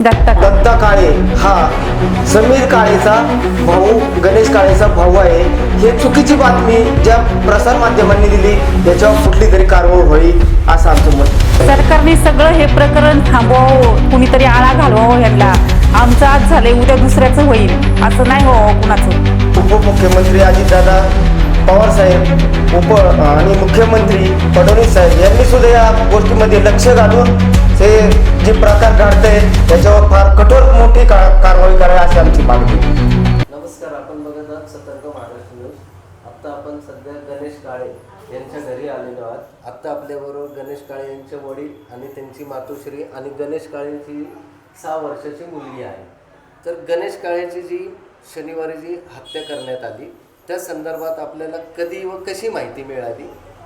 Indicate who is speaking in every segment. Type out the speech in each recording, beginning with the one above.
Speaker 1: दत्ता काळे हा समीर काळेचा भाऊ, गणेश काळेचा भाऊ आहे. हे चुकीची बातमी ज्या प्रसार माध्यमांनी दिली त्याच्यावर कुठली तरी कारवाई होईल असं आमचं मत.
Speaker 2: सरकारने सगळं हे प्रकरण थांबवावं, कुणीतरी आळा घालवावं यांना. आमचं आज झालंय, उद्या दुसऱ्याचं होईल असं नाही हो कुणाचं.
Speaker 1: उपमुख्यमंत्री अजितदादा पवार साहेब आणि मुख्यमंत्री फडणवीस साहेब यांनी सुद्धा या गोष्टीमध्ये लक्ष घालून हे जे प्रकार घडतंय त्याच्यावर फार कठोर मोठी कारवाई करावी अशी आमची मागणी.
Speaker 3: नमस्कार, आपण बघत आहात सतर्क महाराष्ट्र न्यूज. आत्ता आपण सध्या गणेश काळे यांच्या घरी आलेलो आहात. आत्ता आपल्याबरोबर गणेश काळे यांचे वडील आणि त्यांची मातोश्री आणि गणेश काळेंची 6 वर्षाची मुलगी आहे. तर गणेश काळेची जी शनिवारी जी हत्या करण्यात आली त्या संदर्भात आपल्याला कधी व कशी माहिती मिळाली?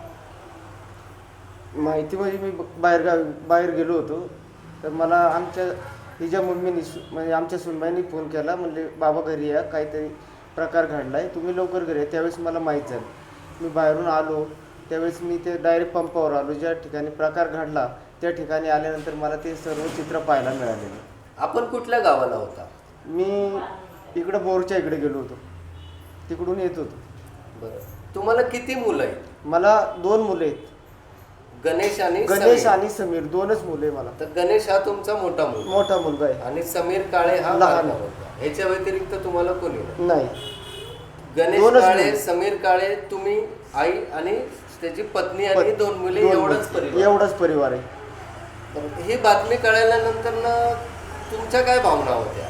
Speaker 1: माहिती म्हणजे मी बाहेर गेलो होतो, तर मला आमच्या हिच्या मम्मीनी म्हणजे आमच्या सुनबाईंनी फोन केला. म्हणले बाबा घरी या, काहीतरी प्रकार घडला आहे, तुम्ही लवकर घरी या. त्यावेळेस मला माहीत झालं. मी बाहेरून आलो त्यावेळेस मी ते डायरेक्ट पंपावर आलो. ज्या ठिकाणी प्रकार घडला त्या ठिकाणी आल्यानंतर मला ते सर्व चित्र पाहायला मिळालेलं.
Speaker 3: आपण कुठल्या गावाला होता?
Speaker 1: मी इकडं बोरच्या इकडे गेलो होतो, तिकडून येत होतो.
Speaker 3: बरं, तुम्हाला किती मुलं आहेत?
Speaker 1: मला 2 मुले आहेत,
Speaker 3: गणेश
Speaker 1: आणि समीर. 2च मुले मला.
Speaker 3: तर गणेश हा तुमचा मोठा
Speaker 1: मुलगा आहे
Speaker 3: आणि समीर काळे हा
Speaker 1: लहान
Speaker 3: मुलगा. ह्याच्या व्यतिरिक्त तुम्हाला कोणी
Speaker 1: नाही?
Speaker 3: गणेश काळे, समीर काळे, तुम्ही, आई आणि त्याची पत्नी आणि 2 मुले,
Speaker 1: एवढाच परिवार आहे.
Speaker 3: तर ही बातमी कळाल्यानंतर ना तुमच्या काय भावना होत्या?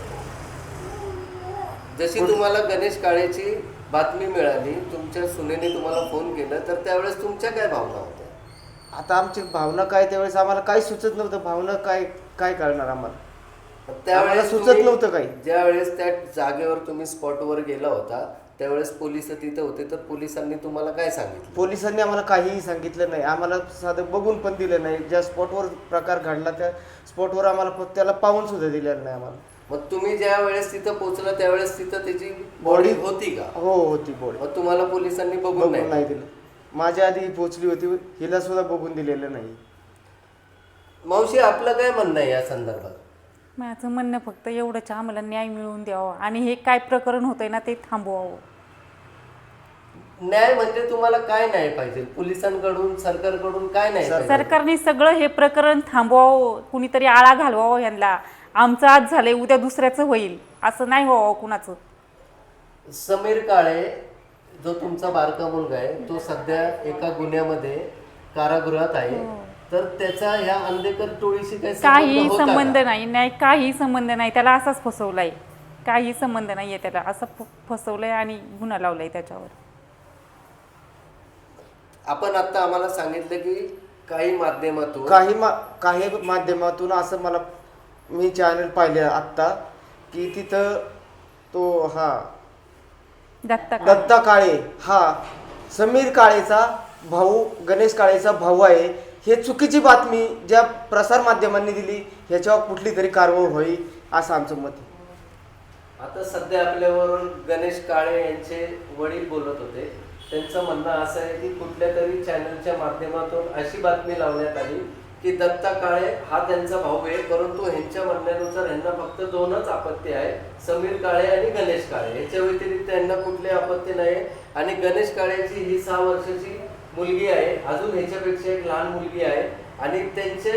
Speaker 3: जशी तुम्हाला गणेश काळेची बातमी मिळाली, तुमच्या सुनेने तुम्हाला फोन केला, तर त्यावेळेस तुमच्या काय भावना होत्या?
Speaker 1: आता आमची भावना काय, त्यावेळेस आम्हाला काही सुचत नव्हतं. भावना काय कळणार आम्हाला,
Speaker 3: त्यावेळेस
Speaker 1: सुचत नव्हतं काही.
Speaker 3: ज्यावेळेस त्या जागेवर तुम्ही स्पॉटवर गेला होता त्यावेळेस पोलिस तिथे होते, तर पोलिसांनी तुम्हाला काय सांगितलं?
Speaker 1: पोलिसांनी आम्हाला काहीही सांगितलं नाही. आम्हाला साधं बघून पण दिलं नाही. ज्या स्पॉटवर प्रकार घडला त्या स्पॉटवर आम्हाला त्याला पाहून सुद्धा दिलेलं नाही आम्हाला.
Speaker 3: मग तुम्ही ज्या वेळेस तिथं पोहोचला त्यावेळेस तिथं त्याची बॉडी होती का?
Speaker 1: हो, होती बॉडी.
Speaker 3: मग तुम्हाला पोलिसांनी बघून
Speaker 1: नाही दिलं. माझ्या आधी पोहोचली होती, हिला सुद्धा बघून दिलेलं नाही.
Speaker 3: मावशी, आपलं काय म्हणणं आहे या संदर्भात?
Speaker 2: माझं म्हणणं फक्त एवढंच, आम्हाला न्याय मिळवून द्यावा आणि हे काय प्रकरण होतंय ना ते थांबवावं.
Speaker 3: न्याय म्हणजे तुम्हाला काय न्याय पाहिजे? पोलिसांकडून, सरकारकडून काय न्याय पाहिजे?
Speaker 2: सरकारने सगळं हे प्रकरण थांबवावं, कुणीतरी आळा घालवावं यांना. आमचं आज झालंय, उद्या दुसऱ्याचं होईल असं नाही हो कुणाचं.
Speaker 3: समीर काळे जो तुमचा बारका मुलगा आहे तो सध्या एका गुन्ह्यामध्ये कारागृहात आहे. तर त्याचा ह्या अंधेकर टोळीशी
Speaker 2: काही संबंध नाही, काही संबंध नाही. त्याला असाच फसवलाय, काही संबंध नाहीये. त्याला असं फसवलंय आणि गुन्हा लावलाय त्याच्यावर.
Speaker 3: आपण आता आम्हाला सांगितलं की काही
Speaker 1: माध्यमातून असं मला, मी चॅनल पाहिले आत्ता की तिथं तो दत्ता काळे हा समीर काळेचा भाऊ, गणेश काळेचा भाऊ आहे. हे चुकीची बातमी ज्या प्रसार माध्यमांनी दिली ह्याच्यावर कुठली तरी कारवाई होईल असं आमचं मत आहे.
Speaker 3: आता सध्या आपल्याबरोबर गणेश काळे यांचे वडील बोलत होते. त्यांचं म्हणणं असं आहे की कुठल्या तरी चॅनलच्या माध्यमातून अशी बातमी लावण्यात आली की दत्ता काळे हा त्यांचा भाऊ आहे, परंतु ह्यांच्या म्हणण्यानुसार ह्यांना फक्त 2च आपत्ती आहे, समीर काळे आणि गणेश काळे. याच्या व्यतिरिक्त यांना कुठली आपत्ती नाही. आणि गणेश काळेची ही 6 वर्षाची मुलगी आहे, अजून ह्याच्यापेक्षा एक लहान मुलगी आहे. आणि त्यांचे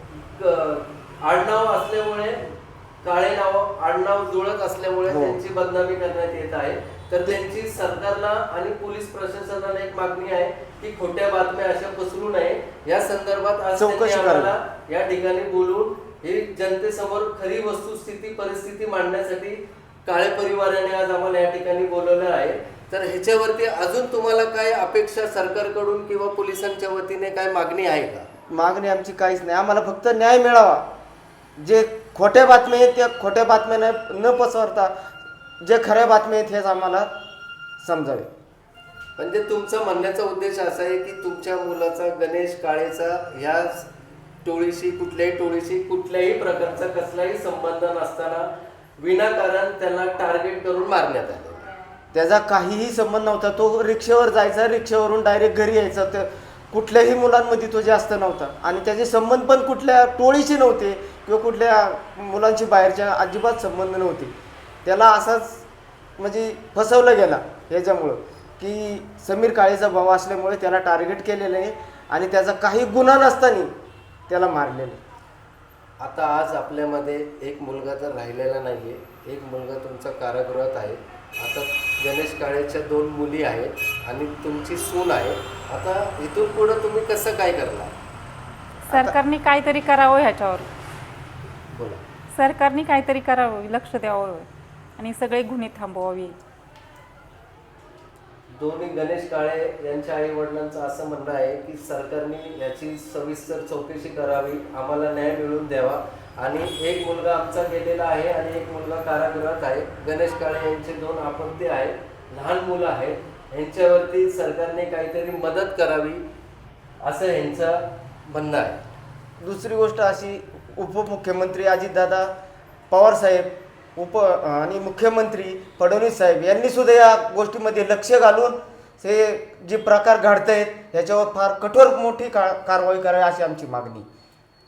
Speaker 3: आडनाव असल्यामुळे, काळे आडनाव जुळत असल्यामुळे त्यांची बदनामी करण्यात येत आहे. तर त्यांची सरकारला आणि पोलीस प्रशासनाला एक मागणी आहे की खोट्या बातम्या अशा पसरू नये. या संदर्भात आज
Speaker 1: चौकशी
Speaker 3: आम्हाला या ठिकाणी बोलून ही जनतेसमोर खरी वस्तुस्थिती, परिस्थिती मांडण्यासाठी काळे परिवाराने आज आम्हाला या ठिकाणी बोलवलं आहे. तर ह्याच्यावरती अजून तुम्हाला काय अपेक्षा सरकारकडून किंवा पोलिसांच्या वतीने काय मागणी आहे का?
Speaker 1: मागणी आमची काहीच नाही. आम्हाला फक्त न्याय मिळावा. जे खोट्या बातम्या आहेत त्या खोट्या बातम्या न पसरता जे खऱ्या बातम्या आहेत हेच आम्हाला समजावे.
Speaker 3: म्हणजे तुमचा म्हणण्याचा उद्देश असा आहे की तुमच्या मुलाचा, गणेश काळेचा ह्या टोळीशी, कुठल्याही टोळीशी कुठल्याही प्रकारचा कसलाही संबंध नसताना विनाकारण त्याला टार्गेट करून मारण्यात आले.
Speaker 1: त्याचा काहीही संबंध नव्हता. तो रिक्षावर जायचा, रिक्षावरून डायरेक्ट घरी यायचा. कुठल्याही मुलांमध्ये तो जास्त नव्हता आणि त्याचे संबंध पण कुठल्या टोळीचे नव्हते किंवा कुठल्या मुलांची बाहेरच्या अजिबात संबंध नव्हते. त्याला असाच म्हणजे फसवलं गेला ह्याच्यामुळं की समीर काळेचा भाऊ असल्यामुळे त्याला टार्गेट केलेलं आहे आणि त्याचा काही गुन्हा नसताना त्याला मारलेलं आहे.
Speaker 3: आता आज आपल्यामध्ये एक मुलगा तर राहिलेला नाहीये, एक मुलगा तुमचा कारागृहात आहे. आता गणेश काळेच्या 2 मुली आहेत आणि तुमची सून आहे. आता इथून पुढे तुम्ही कसं काय करणार?
Speaker 2: सरकारने काहीतरी करावं ह्याच्यावर.
Speaker 3: बोला.
Speaker 2: सरकारने काहीतरी करावं, लक्ष द्यावं आणि सगळे गुन्हे थांबवावे.
Speaker 3: दोन्ही गणेश काळे यांच्या आई वडिलांचं असं म्हणणं आहे की सरकारने याची सविस्तर चौकशी करावी, आम्हाला न्याय मिळवून द्यावा. आणि एक मुलगा आमचा गेलेला आहे आणि एक मुलगा कारागृहात आहे. गणेश काळे यांचे 2 अपत्य आहेत, लहान मुलं आहेत. यांच्यावरती सरकारने काहीतरी मदत करावी असं यांचं म्हणणं आहे.
Speaker 1: दुसरी गोष्ट अशी, उपमुख्यमंत्री अजितदादा पवार साहेब आणि मुख्यमंत्री फडणवीस साहेब यांनी सुद्धा या गोष्टीमध्ये लक्ष घालून हे जे प्रकार घडत आहेत ह्याच्यावर फार कठोर मोठी कारवाई करावी अशी आमची मागणी.